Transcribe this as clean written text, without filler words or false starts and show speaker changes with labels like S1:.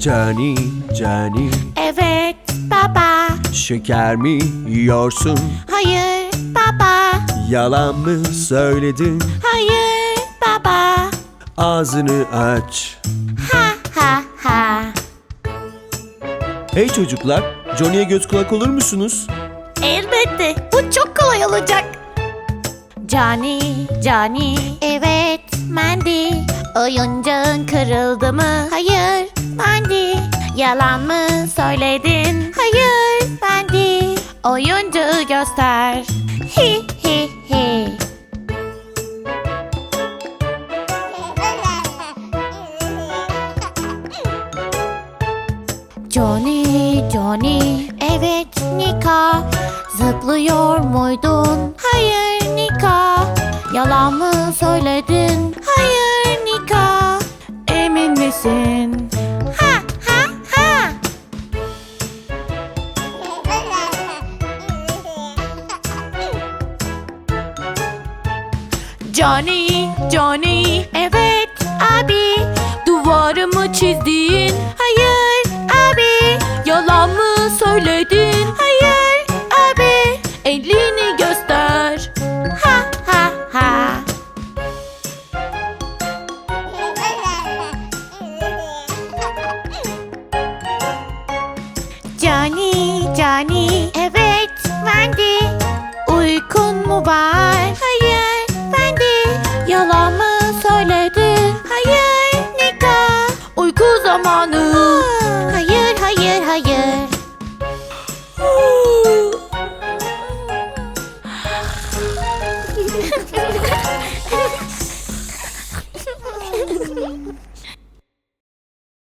S1: Cani, Cani,
S2: Evet baba.
S1: şeker mi yiyorsun?
S2: Hayır baba.
S1: Yalan mı söyledin?
S2: Hayır baba.
S1: Ağzını aç.
S2: Ha ha ha.
S1: Hey çocuklar, Johnny'ye göz kulak olur musunuz?
S2: Elbette. Bu çok kolay olacak. Cani, Cani. Evet, Mandy. Oyuncağın kırıldı mı? Hayır, Mandy. Yalan mı söyledin? Hayır, Mandy. Oyuncağı göster. Hi hi hi. Johnny, Johnny. Evet, Nika. Zıplıyor muydun? Hayır, Nika. Yalan mı söyledin? Hayır, Nika. Emin misin? Ha ha ha. Johnny, Johnny. Evet, abi. Duvarımı çizdin. Hayır, abi. Yalan mı söyledin? Hayır, abi. Elini göster. Ha ha ha. Johnny, Johnny. Evet, Wendy. Uykun mu var? Hayır, Wendy. Yalan mı söyledin? Hayır, Nika. Uyku zamanı. Hayır, hayır, hayır.